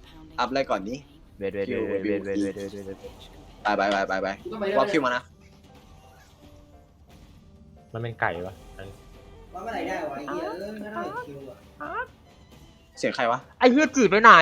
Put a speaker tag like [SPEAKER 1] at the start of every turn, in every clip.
[SPEAKER 1] อัพอะไรก่อนนี้
[SPEAKER 2] เวท
[SPEAKER 1] ไปวอลคิวมานะ
[SPEAKER 3] มันเป็นไก่ปะ
[SPEAKER 4] ว่าเมื่อไหร่ได้วะไอ้เหี้ยไม่ได้คิวอ่ะ
[SPEAKER 1] เสียงใครวะ
[SPEAKER 2] ไอ้เฮือดจืดไปไหน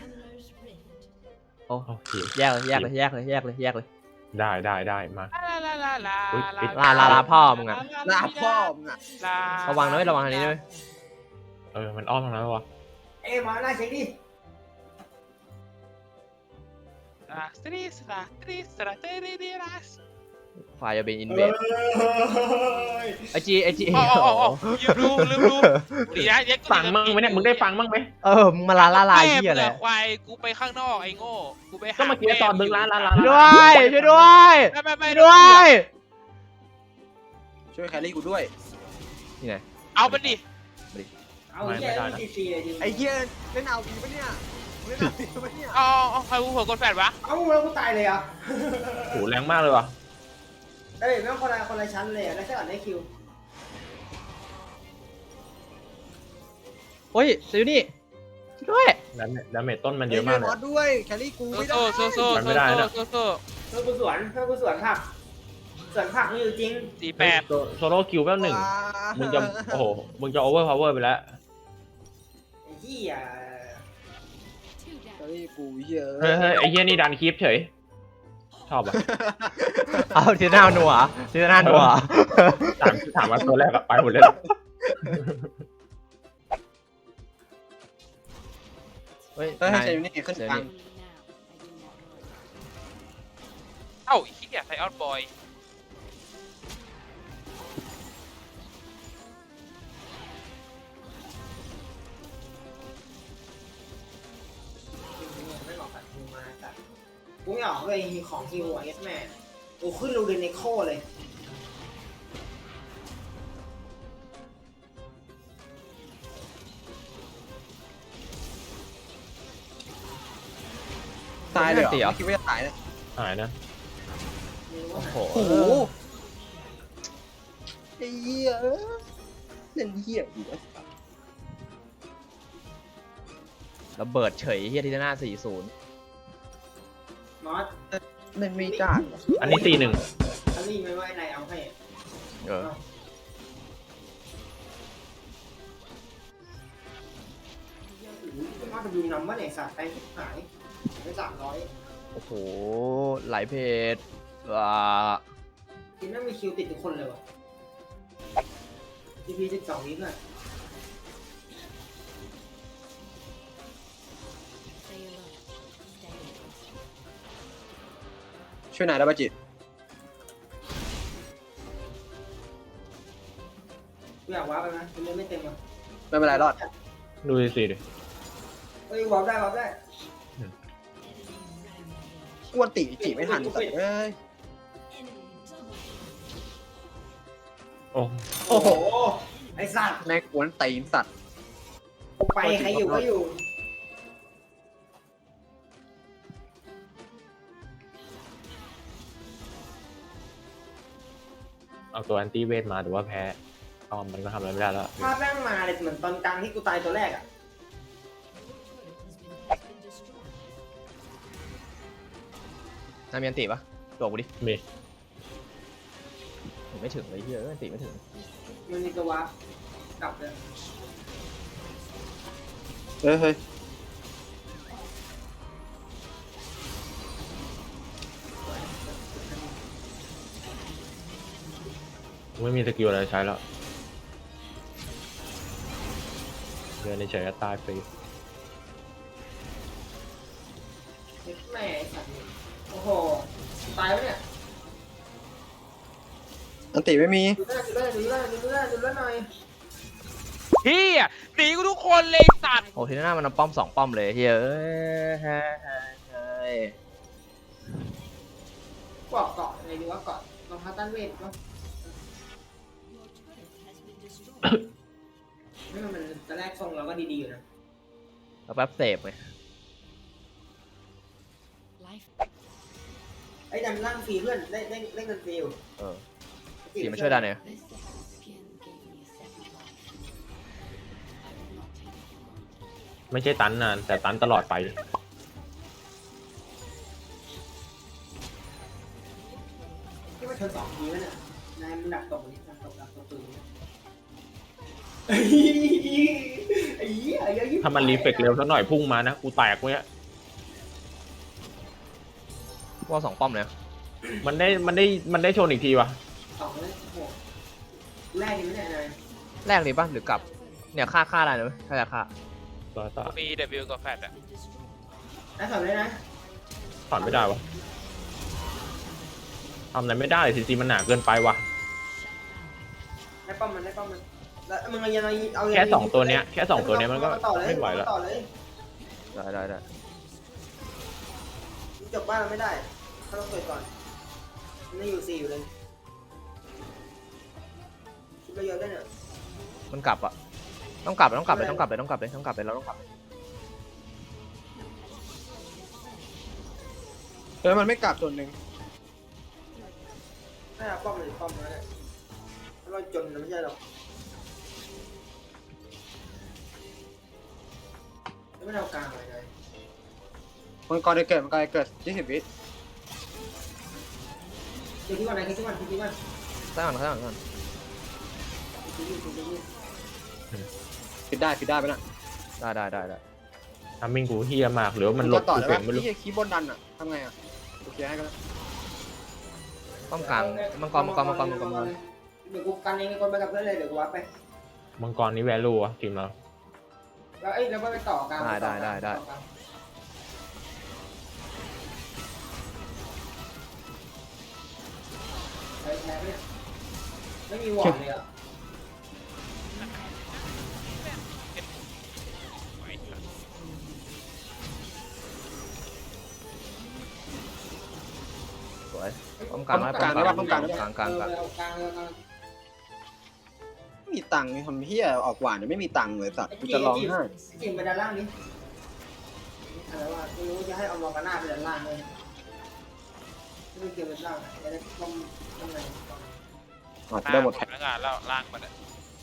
[SPEAKER 2] โอ้
[SPEAKER 3] โอเค
[SPEAKER 2] แยกเลย
[SPEAKER 3] ได้มา อุ๊ยปิด
[SPEAKER 2] ลาพ่อมึงอะ
[SPEAKER 1] หน้าพ่อมึงอะ
[SPEAKER 2] ระวังนะระวังทางนี้ด้วย
[SPEAKER 3] มันอ้อมทางนั้นวะ
[SPEAKER 4] เอ้ยมาหน้าเช็คดิ
[SPEAKER 2] ไฟจะเป็นอินเวดไอจี
[SPEAKER 5] อ๋อลืมดูดีนะเย็ก
[SPEAKER 3] ฟังมั่งไหมเนี่ยมึงได้ฟังมั่งไหม
[SPEAKER 2] มึงมาลาเหี้ยอะไร
[SPEAKER 5] ควายกูไปข้างนอกไอ้โง่กูไปหา
[SPEAKER 3] ก็เมื่อกี้ตอนมึงล้าน
[SPEAKER 2] ช่วยด้วย
[SPEAKER 5] ไม่
[SPEAKER 2] ด้วย
[SPEAKER 1] ช่วยแครี่กูด้วย
[SPEAKER 2] นี่ไง
[SPEAKER 5] เอามันดิ
[SPEAKER 4] เอาเหี้ยซีซีเลยดิ
[SPEAKER 1] ไอ้เหี้ยเล่นเอาดีปะเนี่ยเล่นเอาดีปะเนี่ย
[SPEAKER 5] เอาใครกูเผื่อกดแฟดวะ
[SPEAKER 4] เอาแล้วกูตายเลยอ่ะ
[SPEAKER 3] โหแรงมากเลยวะ
[SPEAKER 4] เอ้ยแม่งคนละชั้นเลยแล้วแค่อ่านได้คิว
[SPEAKER 2] เฮ้ยเซยูนี่ช่วยด้วย
[SPEAKER 3] ดาเมจต้นมันเยอะมากเลย
[SPEAKER 1] บอสด้วยแครี่กูไม่ได้
[SPEAKER 5] โซ่
[SPEAKER 3] มันไม่ได้นะ
[SPEAKER 4] เพื่อนกูสวนผักนี่อยู่จริง
[SPEAKER 5] 48
[SPEAKER 3] โซโล่คิวแป๊บหนึ่งมึงจะโอ้โหมึงจะโอเวอร์พาวเวอร์ไปแล้ว
[SPEAKER 4] ไอ้เหี้ย
[SPEAKER 1] แครี่กูเหี้ย
[SPEAKER 3] เฮ้ยไอ้เหี้ยนี่ดันคลิปเฉยชอบอ่ะ
[SPEAKER 2] เอาทีหน้าหนัว
[SPEAKER 3] ถามว่าตัวแรกไปหมดเลย
[SPEAKER 2] เฮ้ย
[SPEAKER 1] ให้ใช้นี่ขึ้นกลาง
[SPEAKER 5] เอ้าไอ้เหี้ยไซออนบอย
[SPEAKER 4] ไม่บอกตัดคิวมาตัดกูไม่ออกเลยของคิวอ่ะเอสแม่กูขึ้นรูเดนเนโคเลย
[SPEAKER 1] ตายเลยเหรอคิดว่าจะตายนะ
[SPEAKER 3] หายนะ
[SPEAKER 2] โอ้โห
[SPEAKER 1] โอ้โหไอ้เหี้ยเล่นเหี้ยอยู่
[SPEAKER 2] ระเบิดเฉยเฮียทีหน้า40
[SPEAKER 4] มอส
[SPEAKER 1] เล่นไม่จ้า
[SPEAKER 3] อันนี้4-1
[SPEAKER 4] อันนี้ไม่ว่าไอ้นายเอาให้ มาจะดูนำว่าไหนสัตว์ไปหายไป300
[SPEAKER 2] โอ้โหไหลเพจว้า
[SPEAKER 4] กินไม่มีคิวติดทุกคนเลยวะ GP 12 วิน่ะ
[SPEAKER 1] ช่วยนายได้ป่ะจิต
[SPEAKER 4] กูอยากว้าไปไหมมันไม่เต็มอ่ะ
[SPEAKER 1] ไม่เป็นไรรอด
[SPEAKER 3] ดูสิดิ
[SPEAKER 4] เฮ้ยว้าได้
[SPEAKER 1] กวนตีจีไม่ทันแต่เอ้ย
[SPEAKER 3] โอ้
[SPEAKER 4] โอ้โห ไอ้สัตว์
[SPEAKER 1] แม่งกวนตีนสัตว์
[SPEAKER 4] ไปใครอยู่ก็อยู่
[SPEAKER 3] เอาตัวแอนตี้เวทมาแต่ว่าแพ้ก็มันก็ทำอะไรไม่ได้แล้ว
[SPEAKER 4] ภาพแม่งมาเลยเหมือนตอนกลางที่กูตายตัวแรกอ่ะ
[SPEAKER 2] น้ำมีอันติปะตัวกูดิ
[SPEAKER 3] มี
[SPEAKER 2] ไม่ถึงเลยเฮียอันติไม่ถึง
[SPEAKER 4] มันมีตัวว้าร์ปกลับเลย
[SPEAKER 1] เฮ้ย
[SPEAKER 3] ไม่มีสกิลอะไรใช้แล้วเดินเฉยๆก็ตายฟรี
[SPEAKER 4] แม่ไอ้สัตว์โอ้โห ตายแล้วเนี่ย
[SPEAKER 1] อันติไม่มี
[SPEAKER 4] ดูหน้าหน่อย
[SPEAKER 5] เหี้ยหนีกูทุกคนเลยสัตว์
[SPEAKER 2] โอ้ทีหน้ามันเอาป้อม2ป้อมเลยเฮียเอ้ย
[SPEAKER 4] เกาะอะไรดีวะเกาะรองเท้าต้านเวทวะไม่มันตอนแรกทรงเราก็ดีๆอยู่นะ
[SPEAKER 2] แล้วแป๊บเสพไง
[SPEAKER 4] ไอ้ดันล่างฟรีเพื่อนเล่นกันฟรีอยู่
[SPEAKER 2] สีมาช่วยดันหน่อย
[SPEAKER 3] ไม่ใช่ตันนานแต่ตันตลอดไป
[SPEAKER 4] ชน2 ทีแล้วเนี่ยนายมึงดักตกนี่ดักตกปืนไอ้เหี้ยเยอะยิ่ง
[SPEAKER 3] ถ้ามันรีเฟกเร็วสักหน่อยพุ่งมานะกูแตกเนี้ย
[SPEAKER 2] ว่า2 ป้อมเลย
[SPEAKER 3] มันได้ชนอีกทีวะ
[SPEAKER 4] 2เลยโอ้โหแรกนี่ไม่ได้นาย
[SPEAKER 2] แรกเลยป่ะหรือกลับเนี่ยฆ่าได้นะถ้าจะฆ่า
[SPEAKER 3] ต่อ
[SPEAKER 5] มี W กับแฟดอะ
[SPEAKER 4] แล้ว2เลยนะ
[SPEAKER 3] ถอนไม่ได้วะทำอะไรไม่ได้ซีซีมันหนาเกินไปวะ
[SPEAKER 4] ได้ป้อมมันแล้วมึงเอา
[SPEAKER 3] แค่2 ตัวเนี้ยมันก็ไม่ไหวแล้ว
[SPEAKER 4] ต่อเลย
[SPEAKER 2] ได้
[SPEAKER 4] จบบ้านเราไม่ได้เขาต้องเปิดก่อนมันยังอยู่4อยู่เลยคิดไปเยอะด้วยเนี่ย
[SPEAKER 2] มันกลับอ่ะต้องกลับเลยเราต้องกลับเลย
[SPEAKER 1] มันไม่กลับส่วนหนึ่ง
[SPEAKER 4] ถ้าป้อมเลยป้อมแล้วเนี่ยถ้าเราจนนะไม่ใช่หรอกไม่เอากลางเลยนาย
[SPEAKER 1] มังกรจะเกิด20 วิ
[SPEAKER 4] เดี๋ยวที่วันไหนที่วัน
[SPEAKER 2] ใส่ก่อน
[SPEAKER 1] ปิดได้ไปนะ
[SPEAKER 2] ได้
[SPEAKER 3] ทำมิงกูเฮียมากหรือว่ามันหลบ
[SPEAKER 1] ต่อ
[SPEAKER 3] กู
[SPEAKER 1] ได้
[SPEAKER 3] เก่
[SPEAKER 1] ปะ
[SPEAKER 3] งไม่รู้
[SPEAKER 1] ที่คีย์บนดันอ่ะทำไงอ่ะโอเคให้กัน
[SPEAKER 2] ป้อมกลางมังกร
[SPEAKER 4] เดี๋ยวกูกันเองคนไปกับเพื่อนเลยเดี๋ยวกูวัดไป
[SPEAKER 3] มังกรนี้แวลูอะทีมเรา
[SPEAKER 4] แล้วก็ไปต่อกลางไม่มีหวอดเลยอ่ะ
[SPEAKER 2] สวยป้อมกลางกลาง
[SPEAKER 1] ไม่มีตังค์ทำเฮียออกหวานไม่มีตังค์เลยสัตว์กูจะร้องไห้
[SPEAKER 4] จริงไปด้านล่างนี้อะไรว่าไม่รู้จะให้เอามอร์กาน่าไปด้านล่างเลยไม่เกี่ยวกับล่างจะได้ต้องอะไร
[SPEAKER 1] ได้หมด
[SPEAKER 5] แล้วงานแล้วล่างมันอะ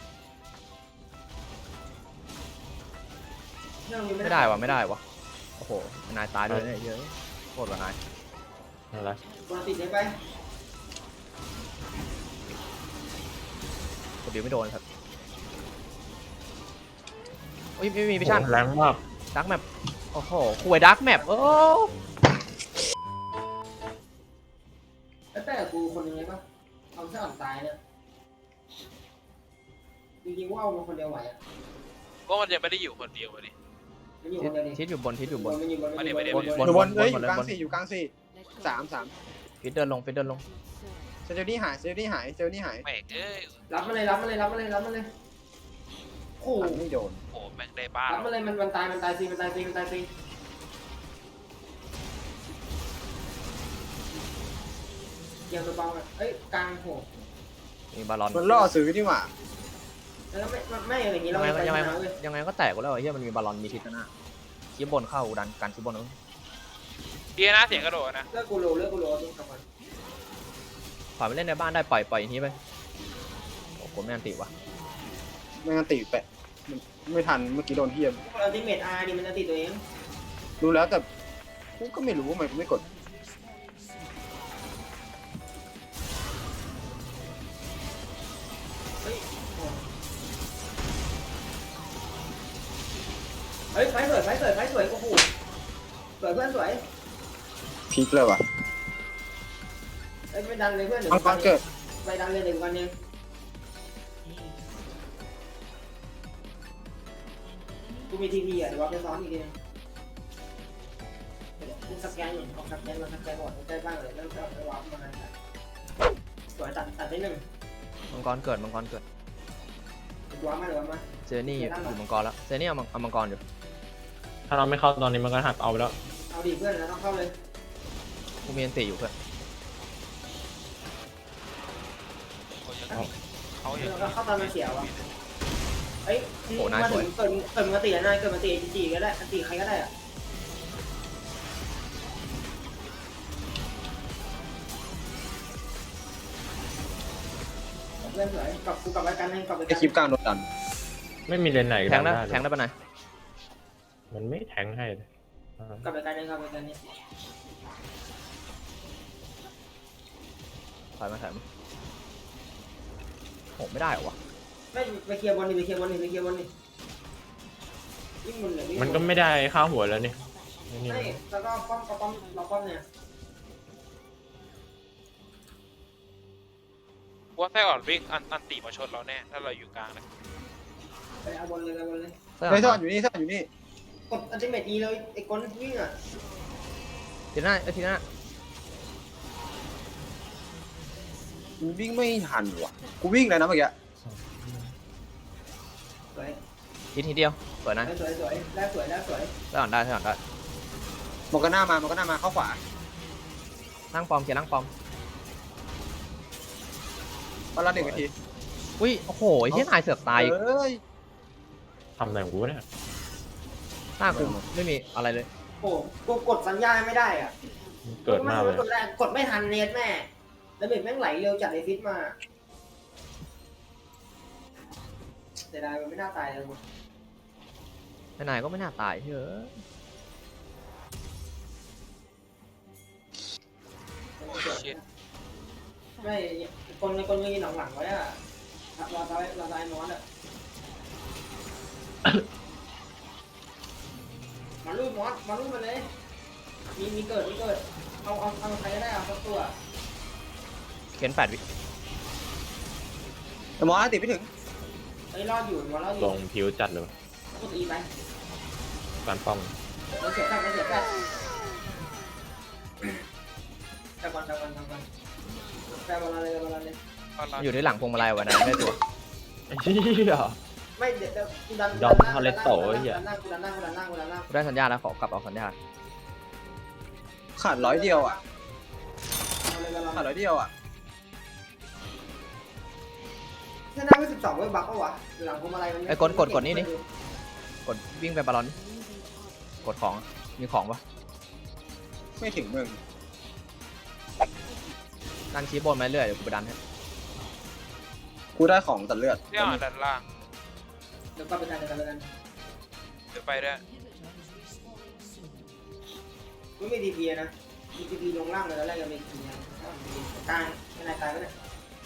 [SPEAKER 2] ไม่ได้วะโอ้โหนายตายเลยเนี่ยเยอะโคตรว่านาย
[SPEAKER 3] อะไร
[SPEAKER 4] วางติดได้ไป
[SPEAKER 2] กดดีไม่โดนครับโอ้ยไม่มีพิชั่น
[SPEAKER 3] แรงมาก
[SPEAKER 2] ดักแมปโอ้โหคุยดักแมปโอ้
[SPEAKER 4] แล้วแต่กูคนนึงเลยป่ะเอาซะอ่อนตายเนี่ยจริงๆว่าเอาคนเดียวไหวอ่ะ
[SPEAKER 5] ก็มันยังไม่ได้อยู่คนเดียวดิ
[SPEAKER 4] มันอยู่คนเดียวดิ
[SPEAKER 2] ทิศอยู่บน
[SPEAKER 4] มันอยู่บน
[SPEAKER 1] อยู่บนอยู่กลาง4 3
[SPEAKER 2] ฟิตเดินลง
[SPEAKER 1] เซลนี่หาย
[SPEAKER 5] แม่งเอ้ย
[SPEAKER 4] รับมาเลยโอ้โห
[SPEAKER 1] ไม่โดน
[SPEAKER 5] โอ้แม่งได้บ้า
[SPEAKER 4] รับมาเลยมันตายซีเกี่ยวตัวเบาอ่ะเอ้ยกลางโห
[SPEAKER 2] มีบาลอน
[SPEAKER 1] มันล่อซื้อนี่หว่า
[SPEAKER 4] แล้วไม่อย่างนี้เรา
[SPEAKER 2] ยังไงก็แตกกูแล้วเฮียมันมีบาลอนมีทิศหน้าคีบบนเข้าดันการคีบบน
[SPEAKER 5] เดียนะเสียงกระโดดนะ
[SPEAKER 4] เลือกกูโลต้องทำมัน
[SPEAKER 2] ปล่อยไปเล่นในบ้านได้ปล่อยอย่างนี้ไปโอ้โหไม่อันติวะ
[SPEAKER 1] ไม่งั้นตีแปะไม่ทันเมื่อกี้โดนเฮีย
[SPEAKER 4] เราที่เมดอาร์ดิมันจะติดตัวเอง
[SPEAKER 1] รู้แล้วแต่กูก็ไม่รู้ว่ามันไม่กด
[SPEAKER 4] เฮ้ยไฟสวยโอ้โหสวยเพื่อนสวย
[SPEAKER 1] พีคเลยว่ะ
[SPEAKER 4] เอ้ยไม่ดันเลยเพื่อน
[SPEAKER 1] มังกรเกิด
[SPEAKER 4] ไปดันเลย1 วันเองกูมีทีวีอ่ะเดี๋ยวว่าไปซ้อนอีกทีนึงกูสแกนอยู่เอาสแกนหมดใกล้บ้างเลยแล้วก็ไปวาร์ปมาสวยตัดได้1
[SPEAKER 2] มังกรเกิด
[SPEAKER 4] วาร์ปมา
[SPEAKER 2] เจนี่อยู่มังกรแล้วเจนี่เอามังกรอยู่
[SPEAKER 3] ถ้าเราไม่เข้าตอนนี้มันก็หักเอาไปแล้ว
[SPEAKER 4] เอาดิเพื่อนแล้วต้องเข้าเลย
[SPEAKER 2] กูมีอันติอยู่เพื่อน
[SPEAKER 5] เขาอย่าง
[SPEAKER 4] แล้วก็เข้าตอนมาเสียวอ่ะเฮ้ยมาถึงเกิดมาตีนายเกิดมาตีจีก็ได้ตีใครก็ได้อ่ะเพื่อนสวยกลับไปกันให้กลับไป
[SPEAKER 1] ไอคลิปกลางโดนดัน
[SPEAKER 3] ไม่มีเลนไหน
[SPEAKER 2] แทงได้
[SPEAKER 3] เลย
[SPEAKER 2] ปะไหน
[SPEAKER 3] มันไม่แทงให้เลย
[SPEAKER 4] กลับไปกันนี่
[SPEAKER 2] ถอยมาโหไม่ได้เหรอวะ
[SPEAKER 4] ไม่ไปเคลียร์บอลนี่ไปเคลียร์บอลนี่วิ่งบนเลย
[SPEAKER 3] มันก็ไม่ได้ค่าหัวแล้วนี่นี่
[SPEAKER 4] ไม่แล้วก็ป้อมเราป้อมเนี่ย
[SPEAKER 5] ว่าไส้อ่อนวิ่งอันตีมาชนเราแน่ถ้าเราอยู่กลางนะ
[SPEAKER 4] ไปเอาบอลเลย
[SPEAKER 1] เฮ้ยซ่อนอยู่นี่ซ่อนอยู่นี่
[SPEAKER 4] กดอัลติเมทอีเลยไอ้ก้นวิ่งอ่ะ
[SPEAKER 2] ทีหน้าทีหน้า
[SPEAKER 1] มันวิ่งไม่ทันว่ะกูวิ่งเลยนะเมื่อกี้
[SPEAKER 4] สวย
[SPEAKER 2] ทีเดียวสวยนะ
[SPEAKER 4] สวยแล้วสวย
[SPEAKER 2] ถ้าอ่อนได้
[SPEAKER 1] โมกาน่ามาเข้าขวา
[SPEAKER 2] นั่งปอมเคลียร์นั่งปอม
[SPEAKER 1] ตอนละ1 นาที
[SPEAKER 2] อุ้ยโอ้โหไอ้ที่นายเสือกตาย
[SPEAKER 1] เอ้ย
[SPEAKER 3] ทำอะไรของกูเนี่ย
[SPEAKER 2] หน้ากูไม่มีอะไรเลย
[SPEAKER 4] โอ้กูกดสัญญาณไม่ได้อ่ะ
[SPEAKER 3] เกิดมากเลย
[SPEAKER 4] กดไม่ทันเน็ตแม่แล้วเบ็ดแม่งไหลเร็วจัดไอฟิตมาแต่ได้มันไม่น่าตายเลยกู
[SPEAKER 2] นายก็ไม่น่าตายเฮ้ย
[SPEAKER 5] ชิด
[SPEAKER 4] ไม่คนยืนหลังไว้อ่ะเราตายมอสอ่ะมาลูดมอสมาลูดมันเลยมีเกิดเอาใครก็ได้เอาสักตัว
[SPEAKER 2] เข็น8 วิ
[SPEAKER 1] แต่หมอติดไม่ถึง
[SPEAKER 4] ไอ้รอดอยู่มอสรอดอ
[SPEAKER 3] ล
[SPEAKER 4] ยู่
[SPEAKER 3] งผิวจัดเลย
[SPEAKER 4] กดอีไป
[SPEAKER 3] การป้อง
[SPEAKER 4] เราเสียแค่แต่ก่อนแต่บอลเลย
[SPEAKER 5] ตอนเรา
[SPEAKER 2] อยู่ที่หลังพวงมาลัยวะนะได้ตัว
[SPEAKER 3] ไอ้เหี้ย
[SPEAKER 4] ไม่เดี๋ยวกูดัน
[SPEAKER 3] ยอมทอเลตโต้ไอ้เหี้ย
[SPEAKER 4] กูดันหน้า
[SPEAKER 2] กูได้สัญญาแล้วขอกลับเอาสัญญา
[SPEAKER 1] ขาด100 เดียวอ่ะ
[SPEAKER 4] เอาเลย
[SPEAKER 1] ขาด100 เดียวอ่ะ
[SPEAKER 4] ถ้าได้ไม่12เว้ยบักปะวะหลังพวงมาลัยมัน
[SPEAKER 2] ไอ้กดนี่กดวิ่งไปบอลลอนกดของมีของปะ
[SPEAKER 1] ไม่ถึงมึง
[SPEAKER 2] ดันชี้บนมาเรื่อยเดี๋ยวกูไปดันให้
[SPEAKER 1] กูได้ของตัดเลือด
[SPEAKER 5] ที่อ่อนด้านล่าง
[SPEAKER 4] เดี๋ยวก็ไปกัน
[SPEAKER 5] เดี๋ยวไปด้วย
[SPEAKER 4] ไม่มีดีพีนะมีดีพีลงล่างเลยแล้วแรกยังมีทีนะกลางไม่นายตายไปเนี่ย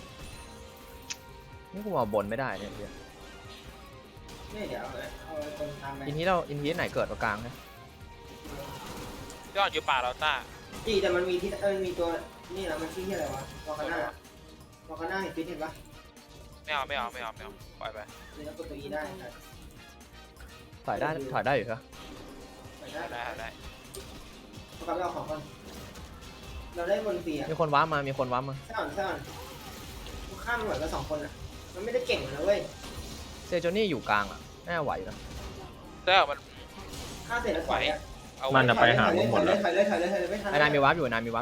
[SPEAKER 2] นี่กูมาบนไม่ได้เนี่ยเดี๋ยว
[SPEAKER 4] นี่เดี๋ยวเอาคนทำไป
[SPEAKER 2] อินทีไหนเกิดตรงกลางนะ
[SPEAKER 5] ที่อ่อนอยู่ป่าเราต้า
[SPEAKER 4] จีแต่มันมีที่มีตัวนี่นะมันชื่อที่อะไรวะวอคาน่เห็นฟิตเห็นปะ
[SPEAKER 5] ไม่เอาปล่อยไป
[SPEAKER 4] นี่แล้วกดตัวอีได้
[SPEAKER 2] ถอยได้อยู่ครับ
[SPEAKER 5] ได้
[SPEAKER 4] เขากลับไปเอาของก่อนเราได้บนฟรีอ่ะ
[SPEAKER 2] มีคนว้ามา
[SPEAKER 4] ใช่ก่อนข้ามเหมือนกัน2 คนอ่ะมันไม่ได้เก่งนะเว้ย
[SPEAKER 2] เซโจนี่อยู่กลางอ่ะน่าไหวนะ
[SPEAKER 5] แต่มัน
[SPEAKER 4] ฆ่าเสร็จแล้วถอยอ่ะ
[SPEAKER 5] เอา
[SPEAKER 3] มันจะไปหาผมหมดแล้ว
[SPEAKER 4] ถอยเลยไม่ทัน
[SPEAKER 2] ไอ้นายมีวาร์ปอยู่
[SPEAKER 5] หน้า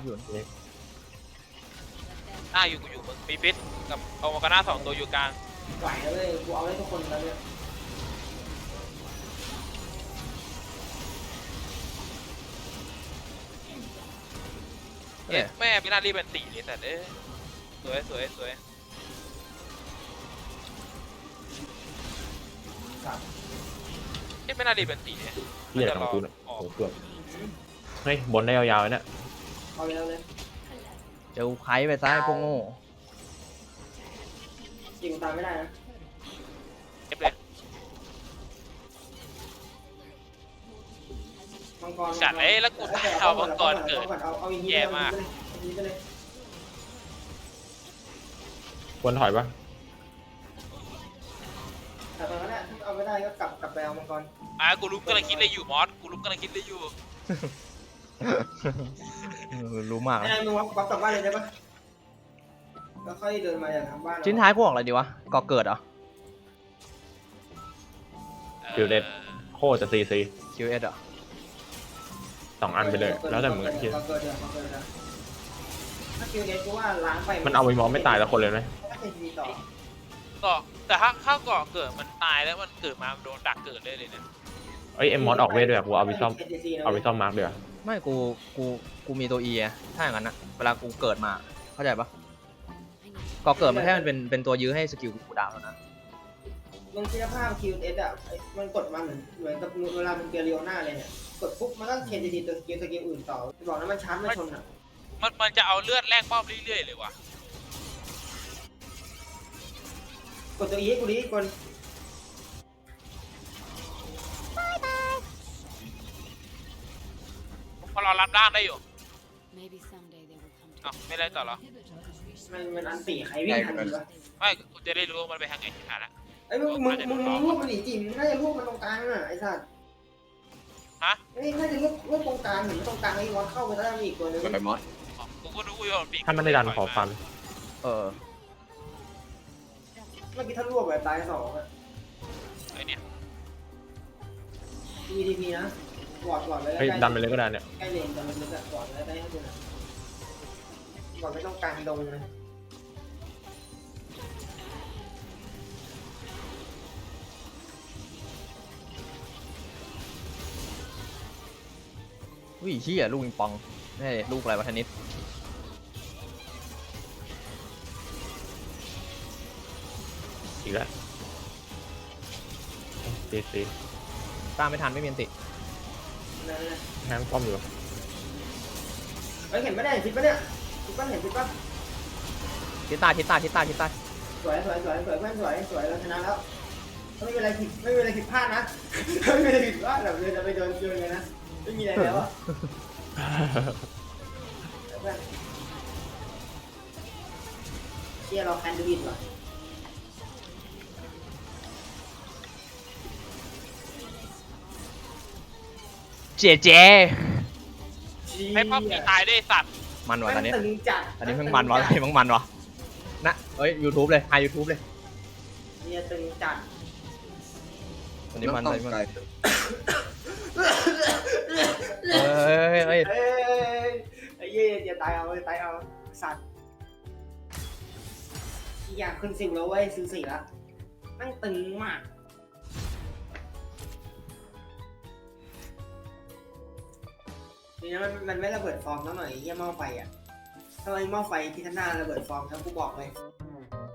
[SPEAKER 5] อยู่กูอยู่มึงมีฟิตกับเอามากาน่า2 ตัวอยู่กลาง
[SPEAKER 4] ไหวแล้วเลยกูเอาได้ทุกคนแล้วเนี่ย
[SPEAKER 5] แม่ไม่น่ารีบเป็นตีเลยแต่สวยไม่น่ารีบเป็นตีเนี่ย
[SPEAKER 3] เหี้ยของกูเนี่ยโอ้โหเกือบเฮ้ยบนได้ยาวๆเลยเนี่ย
[SPEAKER 4] เอาเลย
[SPEAKER 2] เจอไพ่ไปซ้ายพวกโง่
[SPEAKER 4] จริงตามไม่ได้นะ
[SPEAKER 5] เอฟเลย
[SPEAKER 4] มังกร
[SPEAKER 5] จัดแล้วกูเอามังกรเกิด
[SPEAKER 4] เอาอย่างนี้
[SPEAKER 5] แย่มาก
[SPEAKER 4] ไปเลย
[SPEAKER 3] ควรถอยปะ
[SPEAKER 4] แต่ตอนนั้นเอาไม่ได้ก็กลับไปเอามังกร
[SPEAKER 5] กูรู้กำลังคิดเลยอยู่มอสกูรู้กำลังคิดเลยอยู่
[SPEAKER 2] รู้มาก
[SPEAKER 4] ไอ้นายมึงวับกลับบ้านเลยได้ปะแล้วค่อยเดินมาจากทางบ้าน
[SPEAKER 2] ชิ้นท้ายพวกอะไรดีวะก่อเกิดเหรอ
[SPEAKER 3] คิวเด็ดโคตรจะซี
[SPEAKER 2] QS เหรอ
[SPEAKER 3] 2 อันไปเลย แล้วแต่มึงอะคิด
[SPEAKER 4] ถ้าคิวเอสกูว่าล้างไป
[SPEAKER 3] มันเอาไปมองไม่ตายละคนเลยไหม
[SPEAKER 4] ถ้าเป็นทีต่อ
[SPEAKER 5] ก็แต่ถ้าเข้าเกาะเกิดมันตายแล้วมันเกิดมาโดนดักเกิดเลยเนี่ย
[SPEAKER 3] เอ้ยเอ็มมอสออกเวทด้วยกูเอาไปซ่อมมาร์กเดี๋ยว
[SPEAKER 2] ไม่กูมีตัว E ไงถ้าอย่างนั้นนะเวลากูเกิดมาเข้าใจปะก่อเกิดมันแค่มันเป็นตัวยื้อให้สกิลกูดาวเท่านั้น
[SPEAKER 4] ลงคุณภาพคิวเอสอ่ะมันกดมาเหมือนกับเวลามันเกลียวหน้าเลยเนี่ยกดปุ๊บมันก็เทนทีตัวสกิลอื่นต่อบอกนะมันชาร์จไม่ชนอ่ะ
[SPEAKER 5] มันจะเอาเลือดแลกป้อมเรื่อยๆเลยว่ะ
[SPEAKER 4] กดตัว E ให้กูดิก่อน
[SPEAKER 5] พอเรารับร่างได้อยู่
[SPEAKER 6] Maybe someday they will come to
[SPEAKER 5] อ้าวไม่ได้ต่อเหรอ
[SPEAKER 4] มันอันตีใครวิ่งทันดีวะ
[SPEAKER 5] ไม่กูจะได้รู้ว่ามันไปทางไหนที่ผ่านละ
[SPEAKER 4] ไอ้มึงรวบมันหนีจีมึงน่าจะรวบมันตรงกลางน่ะไอ้สัตว์
[SPEAKER 5] ฮะ
[SPEAKER 4] ไอ้น่าจะรวบตรงกลางเห็นตรงกลางไอ้วอลเข้าไปแล้วมีอีกตัวนึง
[SPEAKER 1] กดไปมอส
[SPEAKER 5] อ๋อกูก็รู้ว่ามันปี
[SPEAKER 3] ถ้ามันได้ดันขอฟัน
[SPEAKER 2] เออ
[SPEAKER 4] เมื่อกี้ถ้ารวบแบบตาย2อ่ะ
[SPEAKER 5] ไอ้เนี่ย
[SPEAKER 4] EDP นะวอร์ดไว้แล้ว
[SPEAKER 3] เฮ้ยดันไปเลยก็ได้เนี่ย
[SPEAKER 4] ใกล้เลนแต่มันลึกอะวอร์ดไว้ใกล้ให้ดูนะวอร์ดไม่ต้องกลางดงเลย
[SPEAKER 2] อุ้ยเฮียลูกปิงปองนี่ลูกอะไรวะเทนนิส
[SPEAKER 3] อีกแล้วตี
[SPEAKER 2] ตามไม่ทันไม่มีอันติ
[SPEAKER 4] นั่นแหละ
[SPEAKER 3] แฮงป้อมอยู่
[SPEAKER 4] เฮ้ยเห็นปะเนี่ยคิดปะเนี่ยคิดปะเห็นคิดปะ
[SPEAKER 2] ทิศใต้
[SPEAKER 4] สวยเพื่อนสวยเราชนะแล้วไม่มีอะไรผิดพลาดนะไม่มีอะไรผิดพลาดแบบเดินจะไปโดนเลยนะไม่มีอะไรแล้วอ่ะเพื่อนเชียร์เราแคนดูอินว่ะ
[SPEAKER 2] เจเจ
[SPEAKER 5] ให้พ่อผีตายได้สัตว์
[SPEAKER 2] มันวะตอนนี้
[SPEAKER 4] ตึงจัด
[SPEAKER 2] อันนี้เพิ่งมันวะอันนี้เพิ่งมันวะนะเฮ้ย YouTube เลยไฮ YouTube เลย
[SPEAKER 4] เนี่ยตึงจัด
[SPEAKER 2] อันนี้มัน
[SPEAKER 1] ต้
[SPEAKER 2] เล
[SPEAKER 1] อย ง
[SPEAKER 2] มัน
[SPEAKER 1] ไกล
[SPEAKER 2] เฮ้ย
[SPEAKER 4] ไอ้เย่อย่าตายเอาสัตว์อยากขึ้น10แล้วเว้ยซื้อ4แล้วนั่งตึงมากนี่นะมันไม่ระเบิดฟองแล้วหน่อยเยี่ยหม้อไฟอ่ะถ้าไอ้หม้อไฟที่ข้างหน้าระเบิดฟองแล้วกูบอกเลย